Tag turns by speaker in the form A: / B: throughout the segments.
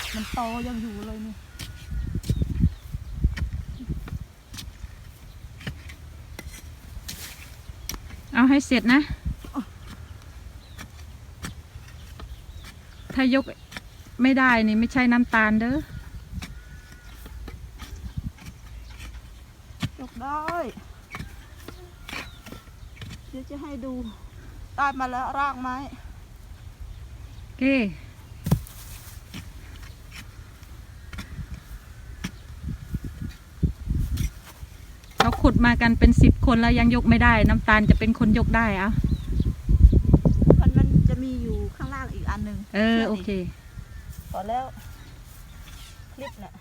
A: มันโตยังอยู่เลยนี่
B: เอาให้เสร็จนะถ้ายกไม่ได้นี่ไม่ใช่น้ำตาลเด้อย
A: กได้เดี๋ยวจะให้ดูได้มาแล้วรากไม้
B: โอเคเราขุดมากันเป็น10 คนแล้วยังยกไม่ได้น้ำตาลจะเป็นคนยกได้อะ
A: มันจะมีอยู่ข้างล่างอีกอันหนึ่ง
B: โอเค
A: พอแล้วคลิปเนี่ย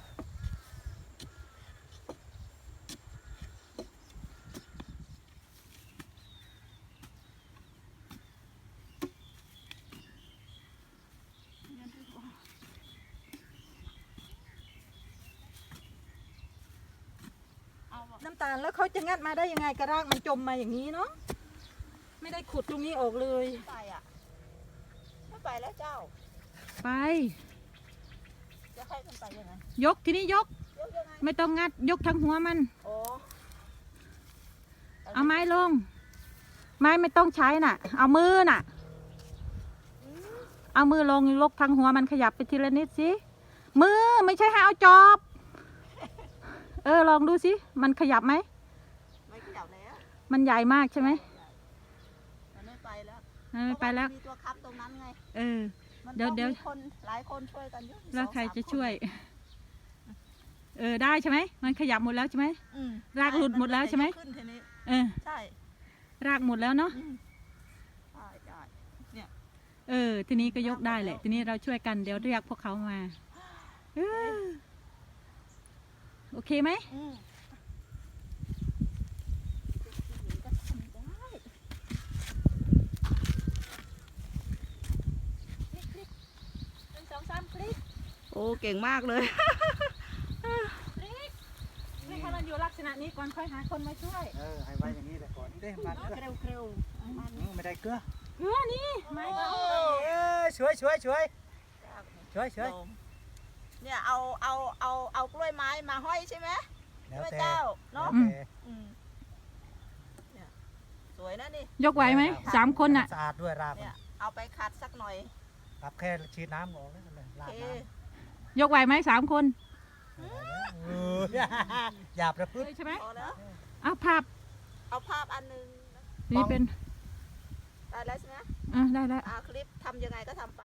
A: น้ำตาลแล้วเขาจะงัดมาได้ยังไงกระรากมันจมมาอย่างนี้เนาะไม่ได้ขุดตรงนี้ออกเลยไปอ่ะไม่ไปแล้วเจ้า
B: ไป
A: จะให้มันไปยังไง
B: ยกทีนี้ยกไม่ต้องงัดยกทั้งหัวมันเอาไม้ลงไม้ไม่ต้องใช้น่ะเอามือน่ะเอามือลงยกทั้งหัวมันขยับไปทีละนิดสิมือไม่ใช่ให้เอาจอบลองดูสิมันขยับไหม
A: ไม่ขยับแล้ว
B: มันใหญ่มากใช่ไหม
A: มันไม่ไปแล้ว
B: ไม่ไปแล้ว
A: มีตัวค้ำตรงนั้นไง
B: เดี๋ยว
A: คนหลายคนช่วยกันเยอะ
B: แล้วใครจะช่วยได้ใช่ไหมมันขยับหมดแล้วใช่ไหมรากหลุดหมดแล้วใช่ไหม
A: ใช่
B: รากหมดแล้วเนาะทีนี้ก็ยกได้แหละทีนี้เราช่วยกันเดี๋ยวเรียกพวกเขามาโอเคไหม
A: โอ้เก่งมากเลย
B: ให้มันอยู่ลักษณะนี้ก่อนค่อยหาคนมาช่วย
C: ให้ไว้อย่างนี้แหละก่อนนี่มัน
A: เร็ว
C: ไม่ได้เกลือ
B: นี่ไม่
C: ช่วย
A: เนี่ยเอากล้วยไม้มาห้อยใช่ไหม
C: แล้วแต่
A: เจ้าเนาะสวยนะนี่
B: ยกไหวไหม3 คนน่ะ
C: สะอาดด้วยราก
A: เนี่ยเอาไปขัดสักหน่อย
C: ครับแค่ฉีดน้ำออกแล้วเลยรากน้
B: ำยกไหวไหม3 คน
C: อย่าประพฤติ
B: ใช่ไหม
A: เอา
B: ภาพ
A: อันนึง
B: นี่เป็น
A: ได้แล้วใช่ไหม
B: ได้แล้ว
A: คลิปทำยังไงก็ทำไป